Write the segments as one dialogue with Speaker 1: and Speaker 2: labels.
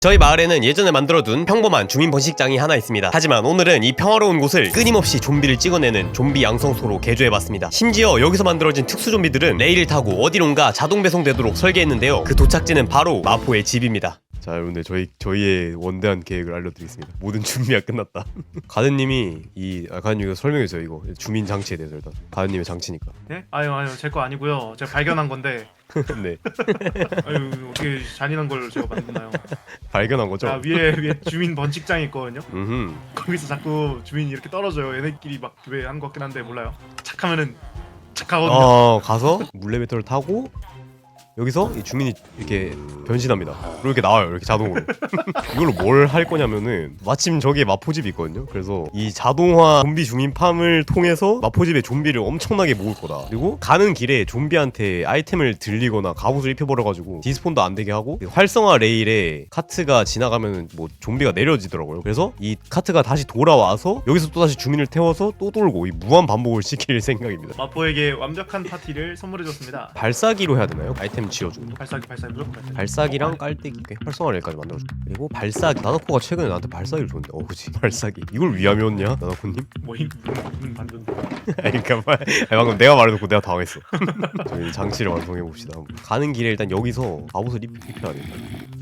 Speaker 1: 저희 마을에는 예전에 만들어둔 평범한 주민 번식장이 하나 있습니다. 하지만 오늘은 이 평화로운 곳을 끊임없이 좀비를 찍어내는 좀비 양성소로 개조해봤습니다. 심지어 여기서 만들어진 특수 좀비들은 레일을 타고 어디론가 자동 배송되도록 설계했는데요. 그 도착지는 바로 마포의 집입니다. 자, 여러분들 저희의 원대한 계획을 알려드리겠습니다. 모든 준비가 끝났다. 가든님이 가든님 이거 설명해주세요. 이거 주민 장치에 대해서 일단 가든님의 장치니까.
Speaker 2: 네? 아유 제 거 아니고요. 제가 발견한 건데.
Speaker 1: 네.
Speaker 2: 아유 어떻게 잔인한 걸 제가 만드나요?
Speaker 1: 발견한 거죠?
Speaker 2: 아, 위에 주민 번식장이 있거든요.
Speaker 1: 음.
Speaker 2: 거기서 자꾸 주민이 이렇게 떨어져요. 얘네끼리 막 교배하는 것 같긴 한데 몰라요. 착하면은 착하거든요.
Speaker 1: 가서 물레배터를 타고 여기서 이 주민이 이렇게 변신합니다. 그리고 이렇게 나와요. 이렇게 자동으로. 이걸로 뭘 할 거냐면은 마침 저기에 마포집이 있거든요. 그래서 이 자동화 좀비 주민팜을 통해서 마포집에 좀비를 엄청나게 모을 거다. 그리고 가는 길에 좀비한테 아이템을 들리거나 갑옷을 입혀버려가지고 디스폰도 안 되게 하고 활성화 레일에 카트가 지나가면은 뭐 좀비가 내려지더라고요. 그래서 이 카트가 다시 돌아와서 여기서 또 다시 주민을 태워서 또 돌고 이 무한 반복을 시킬 생각입니다.
Speaker 2: 마포에게 완벽한 파티를 선물해줬습니다.
Speaker 1: 발사기로 해야 되나요? 아이템 지어주는
Speaker 2: 발사기 무조건 발사기.
Speaker 1: 발사기랑 깔때기 활성화 레일까지 만들어줘. 그리고 발사기 나나코가 최근에 나한테 발사기를 줬는데 그치 발사기 이걸 위함이었냐 나나코님?
Speaker 2: 뭐임 만든.
Speaker 1: 아니 그니까 방금 내가 말해놓고 내가 당했어. 저희 장치를 완성해봅시다. 가는 길에 일단 여기서 갑옷을 입혀야 된다.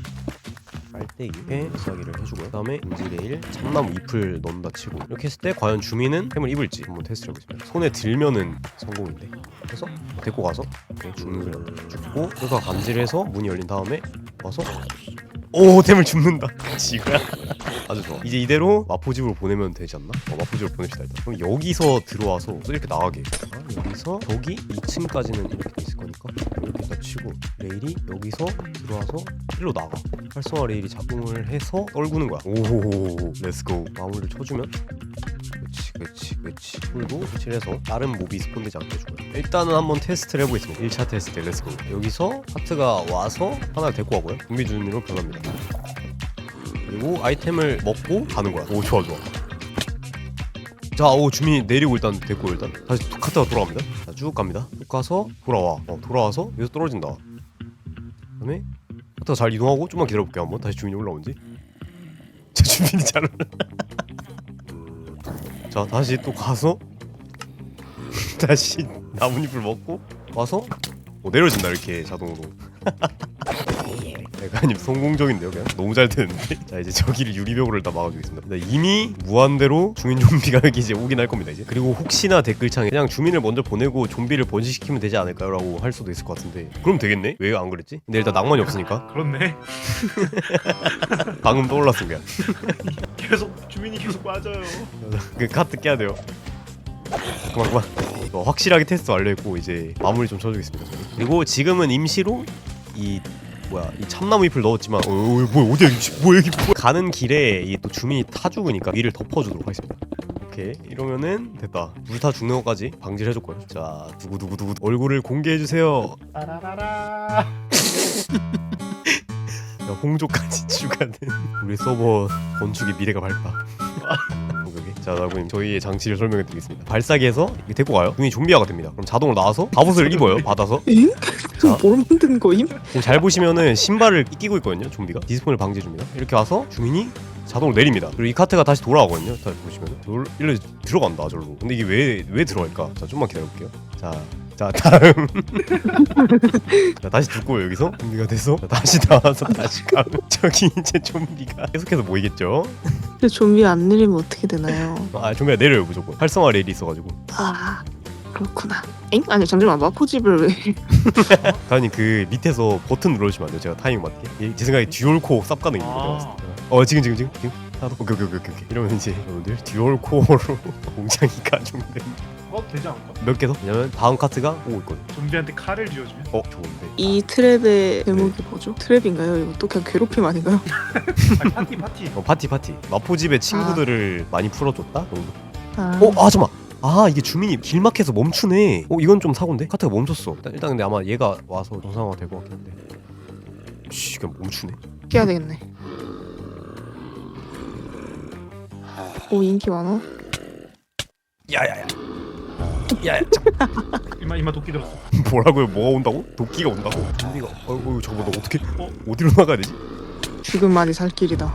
Speaker 1: 깔때기에 발사기를 해주고요. 그 다음에 인지레일 참나무 잎을 넣는다 치고 이렇게 했을 때 과연 주민은 템을 입을지 한번 테스트 해보겠습니다. 손에 들면은 성공인데 그래서 데리고 가서 주문을 줍고 그래서 감지해서 문이 열린 다음에 와서 오 템을 줍는다. 지구야. 아주 좋아. 이제 이대로 마포집으로 보내면 되지 않나? 마포집으로 보냅시다 일단. 그럼 여기서 들어와서 또 이렇게 나가게. 여기서 저기 2층까지는 이렇게 돼 있을 거니까 이렇게 딱 치고 레일이 여기서 들어와서 일로 나가. 활성화 레일이 작동을 해서 떨구는 거야. 오호호호 렛츠고. 마무리를 쳐주면 그렇지 홀도 칠해서 다른 몹이 스폰되지 않게 해주고요. 일단은 한번 테스트를 해보겠습니다. 1차 테스트 렛츠고. 여기서 하트가 와서 하나를 데리고 가고요. 좀비 주민으로 변합니다. 그리고 아이템을 먹고 가는 거야. 오 좋아 자, 주민이 내리고 일단 데리고 일단 다시 카트가 돌아갑니다. 자, 쭉 갑니다. 쭉 가서 돌아와서 여기서 떨어진다. 그다음에 카트가 잘 이동하고 좀만 기다려볼게요. 한번 다시 주민이 올라온지. 자, 주민이 잘 올라. 자, 다시 또 가서 다시 나뭇잎을 먹고 와서 내려진다 이렇게 자동으로. 대가님 성공적인데요 그냥? 너무 잘 되는데? 자, 이제 저기를 유리벽으로 일단 막아주겠습니다. 이미 무한대로 주민 좀비가 여기 이제 오긴 할 겁니다 이제. 그리고 혹시나 댓글창에 그냥 주민을 먼저 보내고 좀비를 번식시키면 되지 않을까요? 라고 할 수도 있을 것 같은데 그럼 되겠네? 왜 안 그랬지? 근데 일단 낭만이 없으니까
Speaker 2: 그렇네.
Speaker 1: 방금 떠올랐어 그냥.
Speaker 2: 주민이 계속 빠져요.
Speaker 1: 그 카트 깨야 돼요. 그만. 확실하게 테스트 완료했고 이제 마무리 좀 쳐주겠습니다. 저는. 그리고 지금은 임시로 이 참나무 잎을 넣었지만 어디야 여기 가는 길에 이 또 주민이 타 죽으니까 위를 덮어주도록 하겠습니다. 오케이 이러면은 됐다. 불타 죽는 것까지 방지를 해줬고요. 자 누구 얼굴을 공개해주세요.
Speaker 2: 따라라라.
Speaker 1: 홍조까지 추가된 우리 서버 건축의 미래가 밝다. 자, 나구님 저희의 장치를 설명해드리겠습니다. 발사기에서 이렇게 데리고 가요. 주민이 좀비화가 됩니다. 그럼 자동으로 나와서 갑옷을 입어요. 받아서.
Speaker 3: 엥?
Speaker 1: 자,
Speaker 3: 뭘 만든 거임?
Speaker 1: 지금 잘 보시면은 신발을 끼고 있거든요. 좀비가 디스폰을 방지해줍니다. 이렇게 와서 주민이 자동으로 내립니다. 그리고 이 카트가 다시 돌아가거든요. 다시 보시면 일로 들어간다 저로. 근데 이게 왜 들어갈까? 자, 좀만 기다려볼게요. 자 다음. 자, 다시 죽고 여기서 좀비가 돼서 다시 나와서 다시 가면 저기 이제 좀비가 계속해서 모이겠죠.
Speaker 3: 근데 좀비 안 내리면 어떻게 되나요?
Speaker 1: 좀비가 내려요 무조건. 활성화 레일이 있어가지고.
Speaker 3: 아 그렇구나. 엥? 아니 잠시만 마포집을 왜?
Speaker 1: 다니 그 밑에서 버튼 눌러주시면 안 돼요? 제가 타이밍 맞게. 제 생각에 듀얼코어 쌉 가능입니다. 지금 하나 오케이 이러면 이제 여러분들 듀얼코어로 공장이 가중된
Speaker 2: 되지 않을까?
Speaker 1: 몇 개 더? 왜냐면 다음 카트가 오고 있거든.
Speaker 2: 좀비한테 칼을 쥐어주면?
Speaker 1: 좋은데.
Speaker 3: 이 트랩의 제목이 뭐죠? 트랩인가요? 이거 또 그냥 괴롭힘 아닌가요?
Speaker 2: 아니, 파티.
Speaker 1: 파티. 마포집의 친구들을 많이 풀어줬다 정도. 잠깐만. 이게 주민이 길막해서 멈추네. 이건 좀 사고인데? 카트가 멈췄어. 일단 근데 아마 얘가 와서 정상화가 될 것 같긴 한데. 그냥 멈추네.
Speaker 3: 깨야 되겠네. 오 인기 많아.
Speaker 1: 야야야.
Speaker 2: 이마 도끼 들었어.
Speaker 1: 뭐라고요? 뭐가 온다고? 도끼가 온다고? 좀비가 저거 너 어떻게 어디로 나가야 되지?
Speaker 3: 지금만이 살 길이다.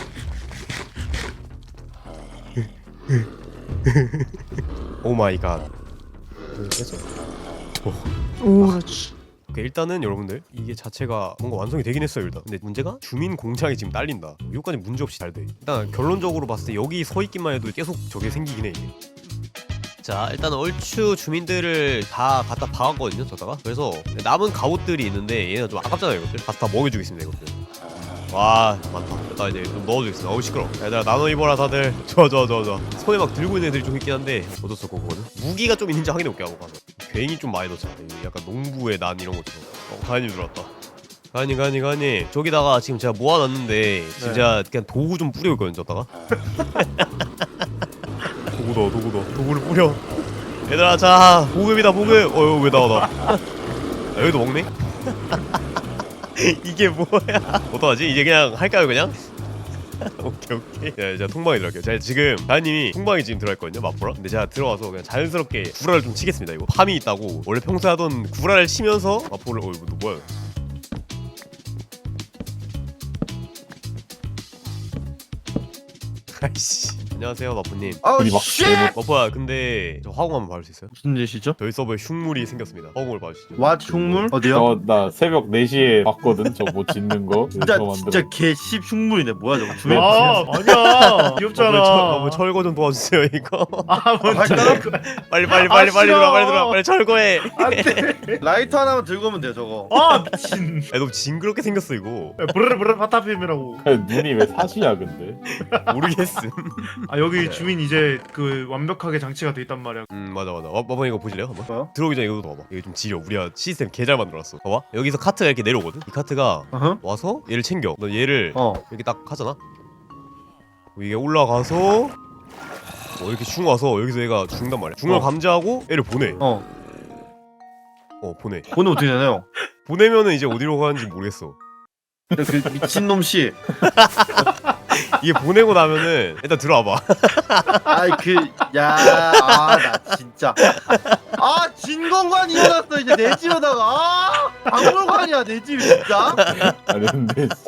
Speaker 1: 오 마이 갓. 됐어.
Speaker 3: 오 그렇지.
Speaker 1: 오케이, 일단은 여러분들 이게 자체가 뭔가 완성이 되긴 했어요 일단. 근데 문제가 주민 공장이 지금 딸린다. 이거까지 문제 없이 잘 돼. 일단 결론적으로 봤을 때 여기 서 있기만 해도 계속 저게 생기긴 해 이게. 자, 일단 얼추 주민들을 다 갖다 박았거든요 저다가. 그래서 남은 갑옷들이 있는데 얘는 좀 아깝잖아요 이것들. 가서 다 먹여주겠습니다 이것들. 와 많다. 일단 이제 좀 넣어주겠습니다. 어우 시끄러. 얘들아 나눠 입어라 다들. 좋아. 손에 막 들고 있는 애들이 좀 있긴 한데 어쩔 수 없고 그거는. 무기가 좀 있는지 확인해볼게 하고 가서. 괜히 좀 많이 넣자. 약간 농부의 난 이런 것처럼. 가인님 들어왔다. 가인님 저기다가 지금 제가 모아놨는데 진짜 그냥 도구 좀 뿌려올 거예요 저다가. 도구를 뿌려. 얘들아 자 보급이다 보급. 왜 나와 나. 여기도 먹네. 이게 뭐야? 어떡하지? 이제 그냥 할까요 그냥? 오케이. 제가 통방에 들어갈게요. 제가 지금 다현님이 통방에 지금 들어갈거든요 맛보러. 근데 제가 들어가서 그냥 자연스럽게 구라를 좀 치겠습니다. 이거 팜이 있다고 원래 평소에 하던 구라를 치면서 맛보를. 이거 뭐야? 아이씨. 안녕하세요 마포님.
Speaker 4: 아우
Speaker 5: 막
Speaker 4: 쉣!
Speaker 1: 마포야 근데 저 화공 한번 봐줄 수 있어요?
Speaker 4: 무슨 짓이죠?
Speaker 1: 저희 서버에 흉물이 생겼습니다. 화공을 봐주시죠.
Speaker 4: 왓 흉물? 어디요?
Speaker 5: 나 새벽 4시에 봤거든. 저 뭐 짓는 거.
Speaker 4: 진짜
Speaker 5: 저거
Speaker 4: 진짜 개씹 흉물이네. 뭐야 저거? 주민
Speaker 2: 아 아니야 귀엽잖아.
Speaker 1: 뭐 철거 좀 도와주세요 이거.
Speaker 2: 아 뭔지
Speaker 1: 빨리
Speaker 2: 싫어.
Speaker 1: 들어와 빨리 철거해.
Speaker 2: 안돼.
Speaker 4: 라이터 하나만 들고 오면 돼요 저거.
Speaker 2: 아 미친.
Speaker 1: 야, 너무 징그럽게 생겼어 이거.
Speaker 2: 브르르 파타핌이라고.
Speaker 5: 눈이 왜 사시야 근데?
Speaker 1: 모르겠음.
Speaker 2: 아 여기 주민 이제 그 완벽하게 장치가 돼 있단 말이야.
Speaker 1: 맞아. 마번 이거 보실래요 한번?
Speaker 4: 뭐요?
Speaker 1: 들어오기 전에 이거 봐봐. 이거 좀 지려. 우리가 시스템 개 잘 만들었어. 봐봐. 여기서 카트가 이렇게 내려오거든. 이 카트가
Speaker 4: 어허.
Speaker 1: 와서 얘를 챙겨. 너 얘를 이렇게 딱 하잖아. 이게 올라가서 이렇게 슝 와서 여기서 얘가 죽는단 말이야. 중을 감지하고 얘를 보내. 보내.
Speaker 4: 오늘 어떻게 되나요?
Speaker 1: 보내면은 이제 어디로 가는지 모르겠어.
Speaker 4: 그 미친놈 씨.
Speaker 1: 이게 보내고 나면은 일단 들어와봐.
Speaker 4: 아이 나 진짜. 진공관 일어났어 이제 내 집에다가. 박물관이야 내 집이 진짜.
Speaker 5: 아니 근데 진짜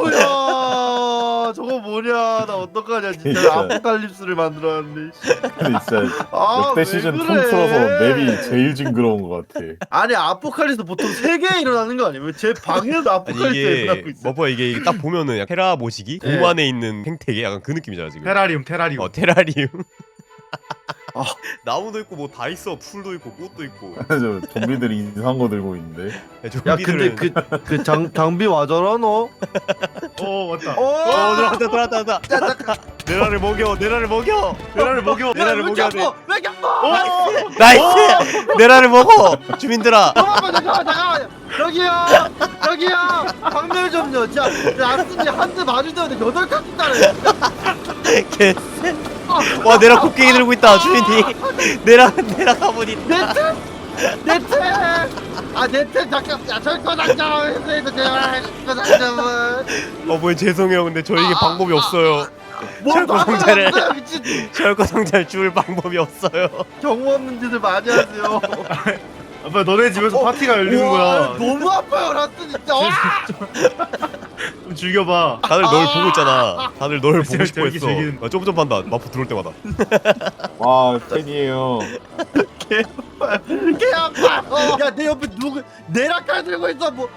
Speaker 4: 오야 저거 뭐냐 나 어떡하냐 진짜
Speaker 5: 진짜.
Speaker 4: 아포칼립스를 만들었는데.
Speaker 5: 근데 진짜 역대
Speaker 4: 왜
Speaker 5: 시즌
Speaker 4: 그래?
Speaker 5: 통틀어서 맵이 제일 징그러운 것 같아.
Speaker 4: 아니 아포칼립스 보통 3개 일어나는 거 아니에요? 왜 제 방에도
Speaker 1: 아니
Speaker 4: 아포칼립스가
Speaker 1: 이게
Speaker 4: 일어나고 있어?
Speaker 1: 뭐야 이게 딱 보면은 약간 테라 모시기
Speaker 4: 네.
Speaker 1: 곰 안에 있는 생태계 약간 그 느낌이잖아 지금.
Speaker 2: 테라리움.
Speaker 1: 테라리움.
Speaker 4: 아.
Speaker 1: 나무도 있고 뭐 다 있어. 풀도 있고 꽃도 있고.
Speaker 5: 저 좀비들이 이상한 거 들고 있는데.
Speaker 4: 야 근데 그 장비 와줘라 너.
Speaker 2: 왔다.
Speaker 1: 들어왔다. 내라를 먹여.
Speaker 2: 내라를 먹여.
Speaker 1: 내라를 먹여야 돼.
Speaker 4: 왜 겪어?
Speaker 1: 나이스. 내라를 먹어. 주민들아.
Speaker 4: 잠깐만 여기요 방멸 좀요. 진짜 아스니 한대 맞을 때마다 8칸 따래.
Speaker 1: 개. 와 내라 곡괭이 들고 있다 주민이. 내라 가보니.
Speaker 4: 네트 잠깐 야 절거 당장 해서 제발 절거 당장은
Speaker 1: 뭐야 죄송해요. 근데 저에게 방법이 없어요. 철거 상자를
Speaker 4: 미친
Speaker 1: 철거 상자를 줄 방법이 없어요.
Speaker 4: 경우 없는 짓을 많이 하세요.
Speaker 2: 아빠 너네 집에서 파티가 열리는
Speaker 4: 우와,
Speaker 2: 거야.
Speaker 4: 너무 아파요 라스 진짜. 와!
Speaker 2: 좀 즐겨봐.
Speaker 1: 다들 널 보고 있잖아. 다들 널 보고 싶어
Speaker 2: 저기
Speaker 1: 했어.
Speaker 2: 즐기는-
Speaker 1: 쫌쫌한다. 마포 들어올 때마다.
Speaker 5: 와 팬이에요.
Speaker 4: 개 아파. 야 내 옆에 누구 내락칼 들고 있어 뭐.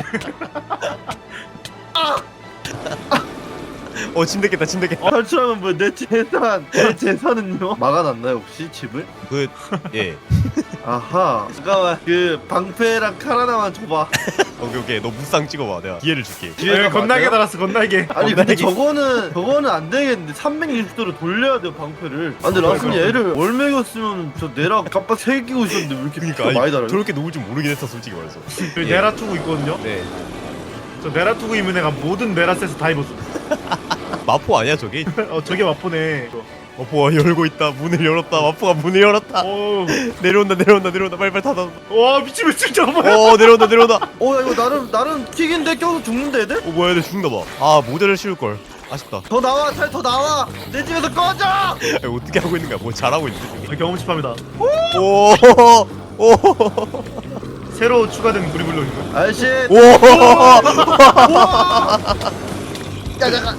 Speaker 1: 침 뱉겠다.
Speaker 4: 탈출하면 뭐 내 재산은요? 막아놨나요 혹시 집을?
Speaker 1: 예.
Speaker 4: 아하. 잠깐만 그 방패랑 칼 하나만 줘봐.
Speaker 1: 오케이. 너 무쌍 찍어봐. 내가 기회를 줄게.
Speaker 4: 뒤에다
Speaker 2: 건날개
Speaker 4: 맞아요?
Speaker 2: 달았어 건날개.
Speaker 4: 아니 근데 저거는 안 되겠는데 360도로 돌려야 돼요 방패를. 아 근데 라스니 얘를 월매겼으면 저 내락 깜빡 새기고 있었는데 왜 이렇게
Speaker 1: 그러니까
Speaker 4: 많이 달아요?
Speaker 1: 저렇게 놓을 줄 모르긴 했어 솔직히 말해서.
Speaker 2: 여기
Speaker 1: 예.
Speaker 2: 네라투구 있거든요.
Speaker 1: 네.
Speaker 2: 저 네라투구 입은 애가 모든 네라셋을 다 입었어.
Speaker 1: 마포 아니야 저기?
Speaker 2: 저게 마포네.
Speaker 1: 마포가 열고 있다. 문을 열었다. 마포가 문을 열었다. 내려온다. 빨리 닫아.
Speaker 2: 와 미친 잠깐만.
Speaker 1: 내려온다.
Speaker 4: 야 이거 나름 튀긴데 껴서 죽는데 애들?
Speaker 1: 뭐야 얘들 죽는다 봐. 모델을 씌울 걸. 아쉽다.
Speaker 4: 더 나와 잘 더 나와 내 집에서 꺼져.
Speaker 1: 어떻게 하고 있는 거야? 뭐 잘하고 있는데.
Speaker 2: 경험치팝니다.
Speaker 1: 오.
Speaker 2: 새로 추가된 무리블록이고.
Speaker 4: 아저씨
Speaker 1: 오.
Speaker 4: 야 잠깐.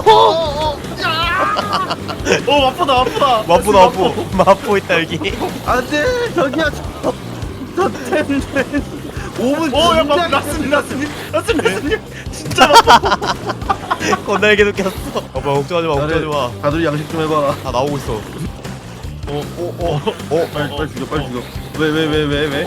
Speaker 2: 아프다 아프다.
Speaker 1: 마포 마포 있다 여기.
Speaker 4: 안돼 저기야. 저 텐데. 5분
Speaker 2: 야 막 라스님 진짜 막
Speaker 1: 건날개 느꼈어. 오빠 걱정하지 마 걱정하지 마.
Speaker 4: 다들 양식 좀 해봐.
Speaker 1: 다 나오고 있어.
Speaker 4: 빨리 죽여 빨리 죽여. 왜?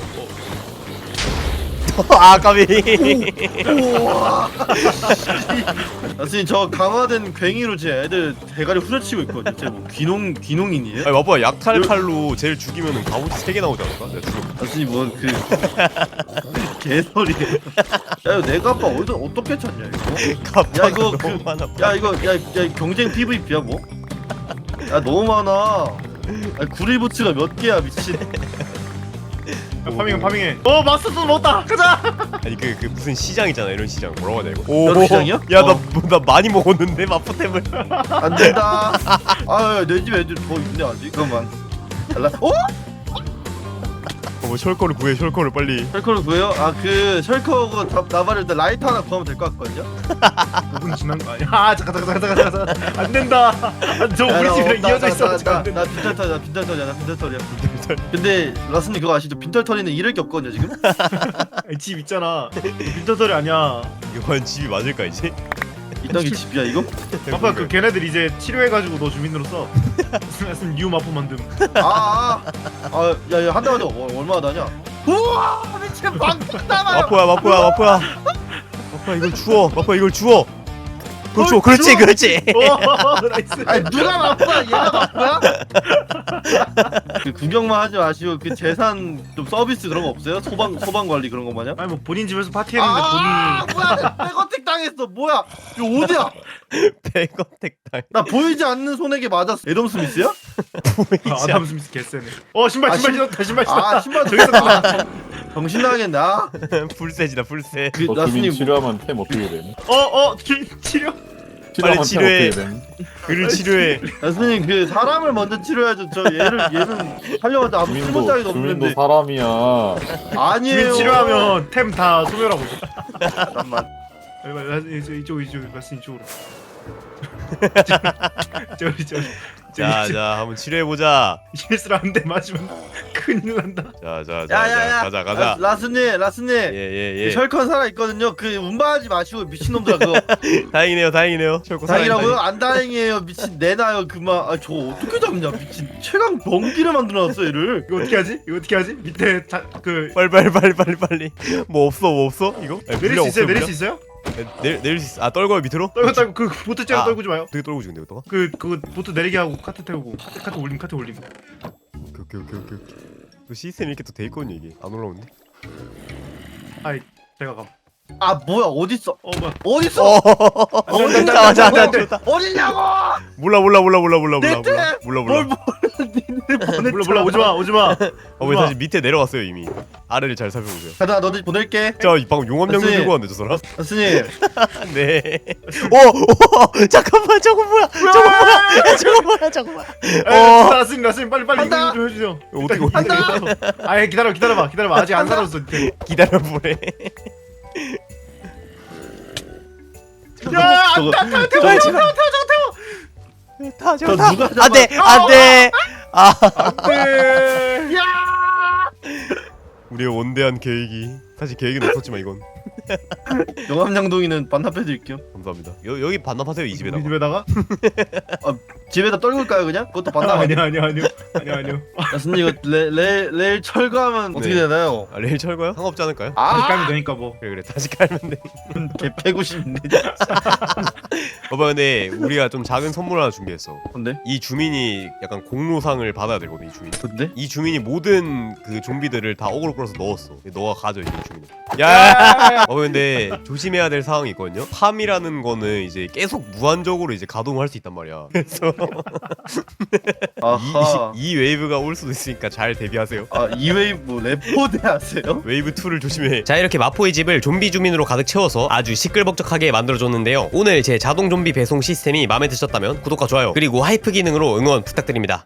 Speaker 1: 아 까비.
Speaker 4: 우와. 선생님 저 강화된 괭이로 제 애들 대가리 후려치고 있거든요. 쟤뭐 귀농인이에요?
Speaker 1: 아니 마포야 약탈 칼로 쟤를 죽이면은 갑옷이 3개 나오지 않을까? 내가 죽여.
Speaker 4: 선생님 뭔그 개소리예요. 야 이거 내가 아빠 어떻게 찾냐 이거? 야 이거
Speaker 1: 너무 많아.
Speaker 4: 야 경쟁 PVP야 뭐? 야 너무 많아. 구리부츠가 몇 개야 미친.
Speaker 2: 파밍해. 마스터 먹었다. 가자.
Speaker 1: 아니 그 무슨 시장 있잖아 이런 시장 뭐라고 하냐 이거.
Speaker 4: 이런 시장이요?
Speaker 1: 야나 많이 먹었는데 마포템을.
Speaker 4: 안 된다. 아내 집 애들 더 있네 아직. 잠깐만. 달라.
Speaker 1: 뭐 셜커를 구해 셜커를 빨리.
Speaker 4: 셜커를 구해요? 그 셜커하고 나발을 일단 라이터 하나 구하면 될 것 같거든요?
Speaker 2: 5분 지난 거 아니야? 잠깐. 안 된다. 저 우리 집이랑 이어져 있어.
Speaker 4: 나 빈털털이야. 근데 라스님 그거 아시죠? 빈털터리는 잃을 게 없거든요 지금?
Speaker 2: 집 있잖아. 빈터털이 아니야.
Speaker 1: 이거 과연 집이 맞을까 이제?
Speaker 4: 이딴 게 집이야 이거?
Speaker 2: 아빠 그 걔네들 이제 치료해가지고 너 주민으로 써. 무슨 뉴 마포 만듦.
Speaker 4: 야야 한 달마다 얼마나 다냐? 우와 미친 방금 남아요.
Speaker 1: 마포야 마포야 이걸 주워. 그걸 주워. 그렇지.
Speaker 2: 오 나이스.
Speaker 4: 아니 누가 마포야 얘가 마포야? 그 구경만 하지 마시고 그 재산 좀 서비스 그런 거 없어요? 소방 관리 그런 거 마냥?
Speaker 2: 아니 뭐 본인 집에서 파티했는데 본인이.
Speaker 4: 뭐야 백어택 당했어 뭐야 이거 어디야?
Speaker 1: 백어택 당.
Speaker 4: 나 보이지 않는 손에게 맞았어. 에덤 스미스야?
Speaker 2: 아담
Speaker 1: 보이지.
Speaker 2: 스미스 개쎄네. 신발 신었다. 신발
Speaker 4: 신발
Speaker 2: 저기서 나와.
Speaker 4: 정신 나가겠네.
Speaker 1: 불세지다 불세.
Speaker 4: 그
Speaker 5: 주민
Speaker 4: 라스님
Speaker 5: 치료하면 템 어떻게 됨?
Speaker 2: 치료.
Speaker 1: 빨리
Speaker 5: 치료하면 템
Speaker 1: 치료해.
Speaker 5: 어떻게 됨?
Speaker 1: 그를 치료해.
Speaker 4: 라스님 그 사람을 먼저 치료해야죠. 얘는 하려고 아무 쓸모 따위도
Speaker 5: 주민도
Speaker 4: 없는데.
Speaker 5: 사람이야.
Speaker 4: 아니에요.
Speaker 2: 주민 치료하면 템 다 소멸하고.
Speaker 4: 잠깐만.
Speaker 2: 이쪽 말씀 이쪽으로. 저기.
Speaker 1: 자 한번 치료해 보자.
Speaker 2: 실수를 한 대 맞으면 큰일 난다.
Speaker 1: 자
Speaker 4: 야야야.
Speaker 1: 가자.
Speaker 4: 라스님.
Speaker 1: 예.
Speaker 4: 셜컨 살아 있거든요. 그 운반하지 마시고 미친놈들아 그거.
Speaker 1: 다행이네요. 철거
Speaker 4: 다행이라고요? 안 다행이에요. 미친 내놔요 그만. 저 어떻게 잡냐 미친 최강 병기를 만들어놨어 얘를.
Speaker 2: 이거 어떻게 하지? 밑에
Speaker 1: 빨리. 뭐 없어 이거? 아니,
Speaker 2: 내릴
Speaker 1: 물량
Speaker 2: 수 있어요?
Speaker 1: 없어요,
Speaker 2: 내릴
Speaker 1: 물량?
Speaker 2: 수 있어요?
Speaker 1: 내릴 수 있어. 아 떨궈요 밑으로?
Speaker 2: 떨고 그 보트 째고 떨구지 마요.
Speaker 1: 되게 떨고지 근데 이거.
Speaker 2: 그 보트 내리게 하고 카트 태우고 카트 올림.
Speaker 1: 오케이. 그 시스템이 이렇게 또 돼 있거든요 이게. 안 올라오는데?
Speaker 2: 아이 제가 감.
Speaker 4: 뭐야 어딨어?
Speaker 2: 뭐야?
Speaker 4: 어딨어?
Speaker 1: 자 좋다.
Speaker 4: 어디냐고?
Speaker 1: 몰라.
Speaker 4: 뭘
Speaker 2: 몰라 오지 마.
Speaker 1: 왜 사실 밑에 내려갔어요 이미. 아래를 잘 살펴보세요.
Speaker 4: 가자 너들 보낼게.
Speaker 1: 저 방금 용암양도
Speaker 4: 선생님.
Speaker 1: 들고 왔는데 저 사람?
Speaker 4: 라스님.
Speaker 1: 네. 잠깐만 저거 뭐야? 저거 뭐야?
Speaker 2: 라스님 빨리
Speaker 4: 간다.
Speaker 2: 이거 좀 해주세요.
Speaker 1: 어떻게
Speaker 2: 간다. 아예 기다려봐. 아직 안 살았어.
Speaker 1: 기다려보래.
Speaker 2: 야,
Speaker 4: 저거
Speaker 1: 제발. 타.
Speaker 4: 누가 잡아?
Speaker 1: 안돼.
Speaker 2: 네.
Speaker 1: 우리의 원대한 계획이 사실 계획은 없었지만 이건
Speaker 4: 영암양동이는 반납해드릴게요.
Speaker 1: 감사합니다. 여기 반납하세요 이
Speaker 2: 우리
Speaker 1: 집에다가.
Speaker 2: 집에다가?
Speaker 4: 집에다 떨굴까요 그냥? 그것도 반납 아니야?
Speaker 2: 아니요.
Speaker 4: 라스님 이거 레일 철거하면 어떻게
Speaker 1: 네.
Speaker 4: 되나요?
Speaker 1: 레일 철거요? 상관없지 않을까요?
Speaker 2: 다시 깔면 되니까 뭐.
Speaker 1: 그래 다시 깔면 돼.
Speaker 4: 개 패고 싶네.
Speaker 1: 오빠 근데 우리가 좀 작은 선물 하나 준비했어.
Speaker 4: 근데?
Speaker 1: 이 주민이 약간 공로상을 받아야 되거든 이 주민.
Speaker 4: 근데?
Speaker 1: 이 주민이 모든 그 좀비들을 다 어그로 끌어서 넣었어. 너가 가져 이 주민. 야. 근데 조심해야 될 상황이 있거든요. 팜이라는 거는 이제 계속 무한적으로 이제 가동을 할 수 있단 말이야. 그래서
Speaker 4: 아하.
Speaker 1: 이 웨이브가 올 수도 있으니까 잘 대비하세요.
Speaker 4: 이 웨이브 레포드 하세요?
Speaker 1: 웨이브 2를 조심해. 자 이렇게 마포의 집을 좀비 주민으로 가득 채워서 아주 시끌벅적하게 만들어줬는데요. 오늘 제 자동 좀비 배송 시스템이 마음에 드셨다면 구독과 좋아요 그리고 하이프 기능으로 응원 부탁드립니다.